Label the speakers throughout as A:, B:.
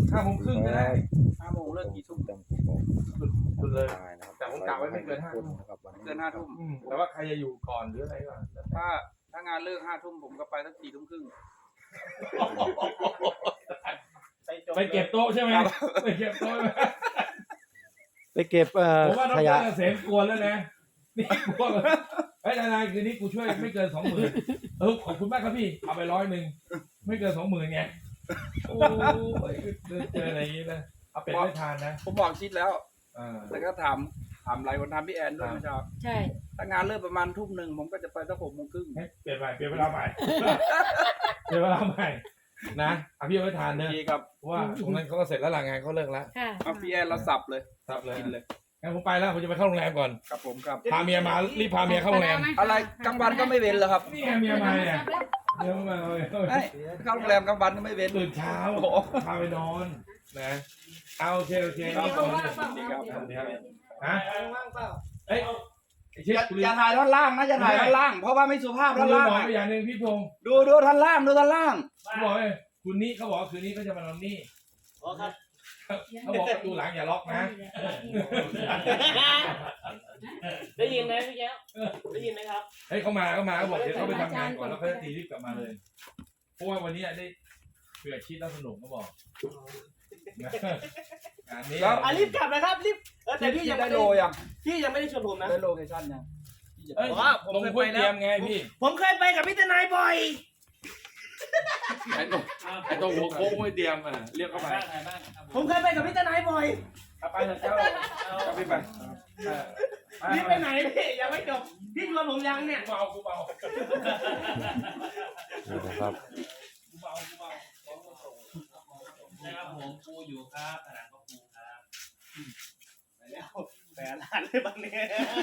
A: 5:30ก็ได้
B: 5 โมงเลิกกี่ทุ่ม
A: สุดเลย
C: แต่ผมกะไว้ไม่เกิน5 ทุ่ม
B: เกิน5 ทุ่ม
A: แต่ว่าใครจะอยู่ก่อนหรืออะไรก่อน
B: ถ้างานเลิก5 ทุ่มผมก็ไปสัก4 ทุ่มครึ่ง
A: ไปเก็บโต๊ะใช่ไหมไปเก็บโต๊ะ
D: ไปเก็บ
A: ผมว่าน้อง
D: ข
A: เก
D: ยะ
A: ษมกวนแล้วนะนี่กลัวเฮ้ยนายคืนนี้กูช่วยไม่เกิน 20,000ขอบคุณมากครับพี่เอาไป100ไม่เกิน 20,000ไงโอ้ยเจออะไรอย่างนี้นะเอาเป็ดไม่ทานนะ
B: ผมบอกชิดแล้วแต่ก็ถามหลายคนถามพี่แอนด้วยเมื่อเช้า
E: ใช่
B: ถ้างานเลิกประมาณ 1 ทุ่มผมก็จะไปสัก6 โมงครึ่ง
A: เปลี่ยนเวลาใหม่เปลี่ยนเวลาใหม่นะเอาพี่เอาไปทานเนอะ
B: ดีครับ
A: เพราะว่าตรงนั้นเขาก็เสร็จแล้วหลังงานเขาเลิกแล้ว
E: ค่ะ
B: เอาพี่แอนเราสับเลย
A: ครับเลย
B: กินเลย
A: งั้นผมไปแล้วผมจะไปเข้าโรงแรมก่อน
B: ครับผมครับ
A: พาเมียมารีบพาเมียเข้าโรงแรม
B: อะไรกลางวันก็ไม่เว้นเหรอครับ
A: นี่ไงเมียมาเนี่ยเดี๋ยวมาเลย
B: เข้าโรงแรมกลางวันก็ไม่เว้น
A: ตื่นเช้าพาไปนอนนะเอาโอเคครับผมฮะเอ้ยเช็ค
B: อย่าถ่ายท่อนล่างนะอย่าถ่ายท่อนล่างเพราะว่าไม่สุภาพ
A: คุ
B: ท่
A: ณ
B: อน
A: บ
B: ล่าง
A: อกไปอย่างหนึ่งพี่พงศ์
B: ดูท่อนล่างดูท่อนล่าง
A: เขาบอกเลยคุณนี่เขาบอกคืนนี้เขาจะมานอนนี่เขาบอกประตูหลังอย่าล็อกนะ
F: ได้ยินไหมพี่แก้วได้ยินไหมครับ
A: เฮ้ยเขามาเขาบอกเดี๋ยวเขาไปทำงานก่อนแล้วเขาจะตีรีบกลับมาเลยเพราะว่าวันนี้ได้เผื่อชีตแล้วสนุกเขาบอกงานนี้
F: รีบกลับนะครับรีบแต่พี่ยัง
B: ได้
F: ไม่
B: โล
F: ได้
B: ยัง
F: พี่ยังไม่ได้ชวนผมนะ
B: ได้โลเคชั่นยัง
A: เอ้ยลงคุยเตรียมไงพี่
F: ผมเคยไปกับพี่ทนายบ่อย
A: ไอ้ตรงหัวโค้งไม่เตรียมอ่ะเรียกเข้าไป
F: ผมเคยไปกับพี่ทนายบ่อย
B: ไปเถอะเจ้าพี่ไป
F: พี่ไปไหนพี่ยังไม่จบพี่ชวนผมยังเนี่ย
A: กูเบา
D: นี่นะครับ
F: นะครับผมปูอยู่ครับผนังก็ปูครับไปแล้วแปดล้านเลยบางเนี่ย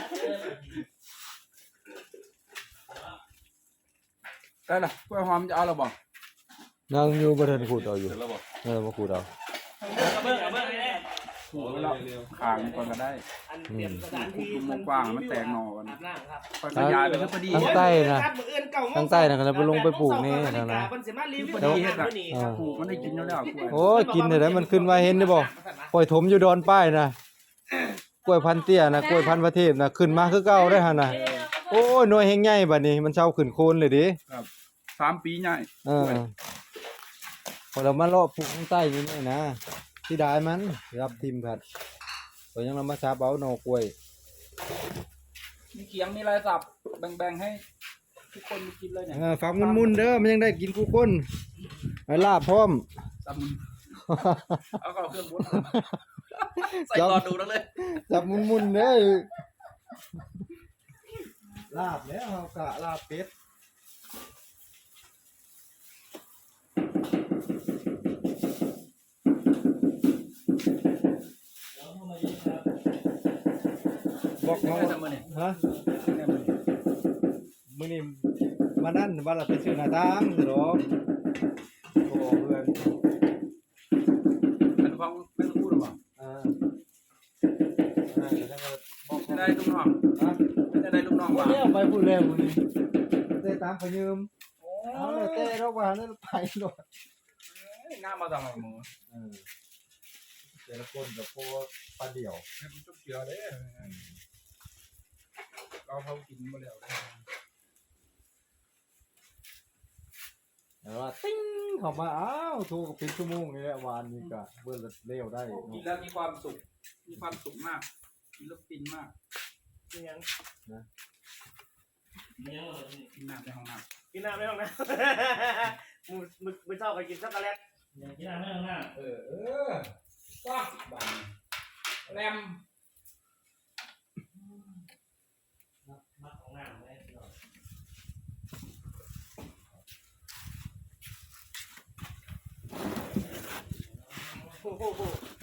B: ได้ละกล้วยหอมจะเอาหรือเปล่า
D: นั่งอยู่บนเทินขูดเอาอยู่
A: เสร็จแล้วบอก
D: มาขูดเอา
F: เบิ้งเลย
B: ถูกแล้วขางก่อนก็ได้
F: อันเตรียมสถานที่
B: มุมกว้างมันแตกหน่อกัน
F: อาบน้ำครับ
B: ขยายไปก็พอดี
D: ทั้งใต้นะทั้งใต้นะแล้วไปลงไปปลูกนี่นะนะ
B: ปลูกมันได้กินแล้วกล้วย
D: โอ้ยกินได้มันขึ้นมาเห็นได้บ่ปล่อยถมอยู่ดอนป้ายนะกล้วยพันเตี้ยนะกล้วยพันประเทศนะขึ้นมาคือเก่าได้หั่นน่ะโอ้ยหน่วยแฮงใหญ่บัดนี้มันเช้าขึ้นโคนเลยดิ
B: 3 ปีใหญ่
D: พอเรามาเลาะปลูกข้างใต้นี่นะที่ได้มันรับทิมผัดพอยังเรามาชาเอาหน่อกล้วย
B: มีเขียงมีลายสับแบ่งๆให้ทุกคนกินเลยเนี่ย
D: ฝักมุนๆเด้อมันยังได้กินกูคนไอ้ลาบพร้อม
B: สับเอาเข้าเครื่องบดใส่รอดูนั่นเลย
D: จับมุนๆเด้อลาบแล้วเอากะลาบเป็ดบอกเขาฮะมื้อนี้มานั่นว่าเราไปซื้อหน้าต่างสิหรอกโอ้เพื่อน
B: เป็นฟังไม่ต้องพูดหรอเปล่า
D: จะได้
B: จะได้ลูกน้องจะได้ลูกน้องว่า
D: แล้วไปพูดแล้วมื้อนี้ได้ตามไปยืมเอาเลยเต้เราว่านั่นไปโลด
B: หน้ามาทำอะไรมึง
D: แต่ละคนกับพวกปลาเดี่ยว
B: ให้มันจุกเกี่ยวได้เราเขากินมาแล้ว
D: แต่ว่าติ้งเข้ามาอ้าวโทรกับเป็นชั่วโมงนี่แหละวานนี้ก็เบิ่งเร็วได้
B: กินแล้วมีความสุขมากกินแล้วฟินมาก
F: กินยัง
B: กินน้ำในห้องน้
F: กินน้ำไม่ต้องนะมึงชอบไปกินช็อกโกแลต
A: กินอะไรไม่ต้องหน้าว้าแรม
F: มาของน้ำเลยโอ้โห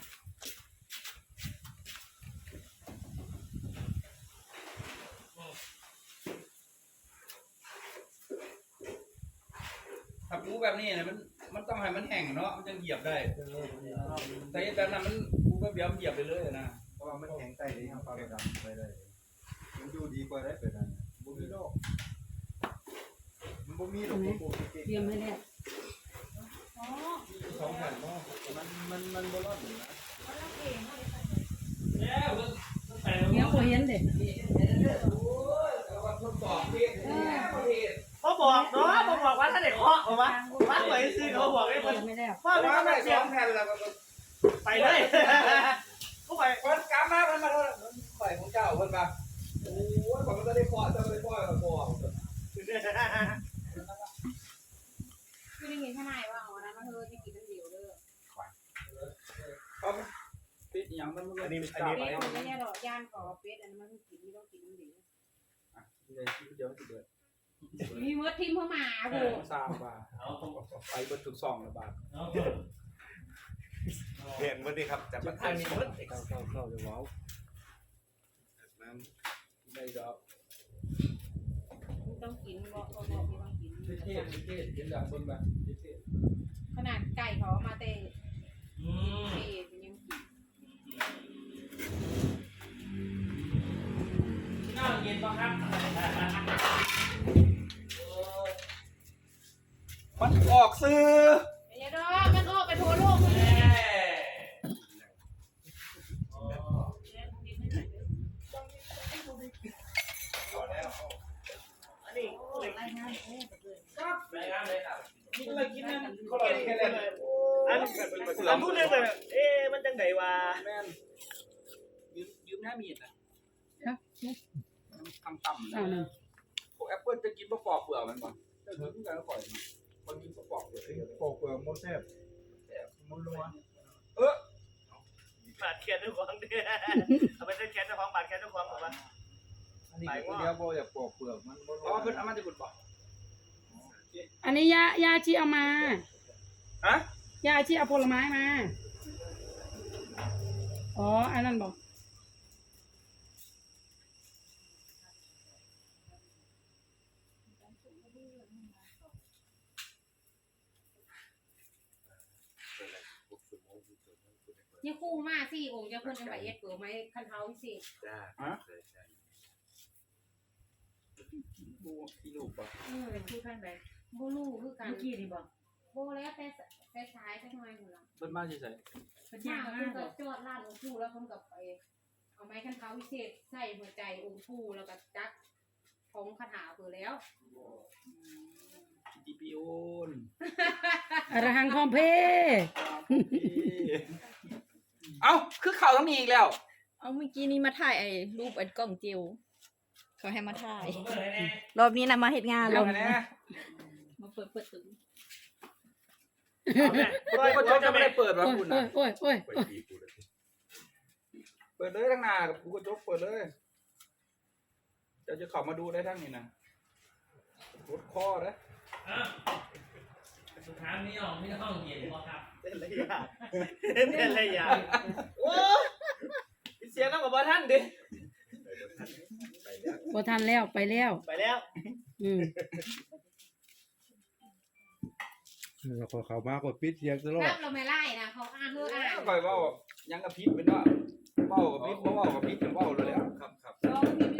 B: ำถ้าปูแบบนี้เนี่ยมันต้องให้มันแห้งเนาะมันจะเหยียบได้แต่แบบนั้นมันปูแบบเดียวเหยียบไปเลยนะ
D: เพราะว่ามันแข็งใต้ที่ทำปลากระดำไปได้มันอยู่ดีกว่าได้เป็นนั่นบ่มีโรคมันบ่มีโรค
E: เตรียมให้แล้ว
D: 2 แผ่นเนาะมัน
B: มันบ่ร้อนนะ
F: แล้วตั้งแต่
E: เนี้ยบ่เห็นเด้
F: เขาบอกเนาะผมบอกว่าถ้าเด็กเคาะออกมาว่าหวยซื้อเขาบอกให้มัน
E: ไม่ได้
F: พ่อไม่
B: ว่า
F: ต้อง
B: ได้
F: เสีย
B: 2แผ่นแล้วก็
F: ไปเลยก็ไป
B: คนกลับมาเพิ่นมาโทษข่อยของเจ้าเพิ่นว่าโอ้ยผมก็ได้พอจะได้พอกับพอ
G: คือได้ยินทนายว่าเอานะมันเธอที่กินน้ำเดียวเด้อ
B: เอาปิดหยังมัน
F: อันนี้
G: เป็ดมันไม่ใช่หรอกย่านขอเป็ดอันนั้นมันกินไม่ต้องกินน้ำเดียว
B: เลยเดี๋ยวสิเบิด
G: มีมดทิมเข้ามาโบ
B: 3บาทไปเบิดถึง2ละบาท
C: เห็นวันนี้ครับจะมาทานเข้าจะว้าว
B: นั้นได้ดอก
G: ต้องกินบอกไม่ต้องกิน
B: เท่ๆเห็นดังเบิ่งแบบเท่
G: ขนาดไก่เขามาเตะเตะยังกิน
F: ข้าวเย็นป่ะครับ
B: มันออกซื้อ
G: ไอ้ดอกมันออกไปทั่วโลกเลย
F: อันนี้
G: รายงาน
F: รายงานเลยครับ
B: กินเลยกินนั่นเขาเลยแค่นั้น
F: อันพูดเรื่องแบบมันจังไดวะ
B: แม่นยืมหน้ามีดนะทำต่ำนะพวกแอปเปิ้ลจะกินปอกเปลือกมันบ่จะกินกันก็ปล่อยมันกินปอกเปลือกปอกเปลือกมันแซ่บมันนัว
F: บาดแขนเจ้าของเนี่ยเอาไปเส้นแขนเจ้าของบาดแขนเจ้าของบอกว่า
B: อันนี้ก็เดียวบ่อยากปอกเปลือกมันอ๋อเพิ่นเอามาจะกุดบ่
E: อันนี้ยาชีเอามา
B: ฮะ
E: ยาชีเอาผลไม้มาอ๋ออันนั้นบอก
G: ยี่คู่มาสี่องค์จะคนจังหวัดเอ็ดเปิดไหมคันเท้าพิเศษ
C: จ้า
B: ดูอีลูกบ่
G: เป็นคู่ท่านไปโบลูคือกันเมื่อกี้นี่บอกโบแล้วแต่สายสักหน่อยหมดละ
B: เพิ่นมาสิใส่
G: มาคุณก็จอดร้านองค์ปู่แล้วคุณกับไปเอาไม้คันเท้าพิเศษใส่หัวใจองค์ปู่แล้วก็จักของคาถาเปิดแล้ว
B: จีพีโอน
E: อรหังคอมเพ
B: เอ้าคือเข่าต้องมีอีกแล้ว
H: เอาเมื่อกี้นี้มาถ่ายไอ้รูปไอ้กล่องจิวเขาให้มาถ่าย
F: ผมก็เลยแน่
H: รอบนี้นะมาเฮ็ดงาน
B: เอา
H: รอบ
B: ไง
H: นี้
B: นะ
G: มาเปิดตึง
B: ก็จะไม่ได้เปิดว่าคุณนะ
E: โอ้ย
B: เปิดเลยทั้งหน้ากูก็จกเปิดเลยจะเข้ามาดูได้ทั้งนี้นะรถคอนะ
F: สุดท้ายไม่ยอมไม่ต้องเย็นหรอกครับ
I: เต้นระยะเต้นระยะโอ้เสียงต้องกับบอท่านดิ
E: บ่ทันแล้วไปแล้ว
I: ไปแล้ว
E: อืม
D: แล้วก็เข้ามากดปิดเสียงตลอด
G: รับเราไม่ไล่นะเขาอ่านเพื่ออ่าน
B: คอยว่ายังกับพิษเป็นว่าเบ้ากับพิษเบ้ากับพิษเป็นเบ้าเลยแล้ว
C: ครับ
G: ลองพิมพ์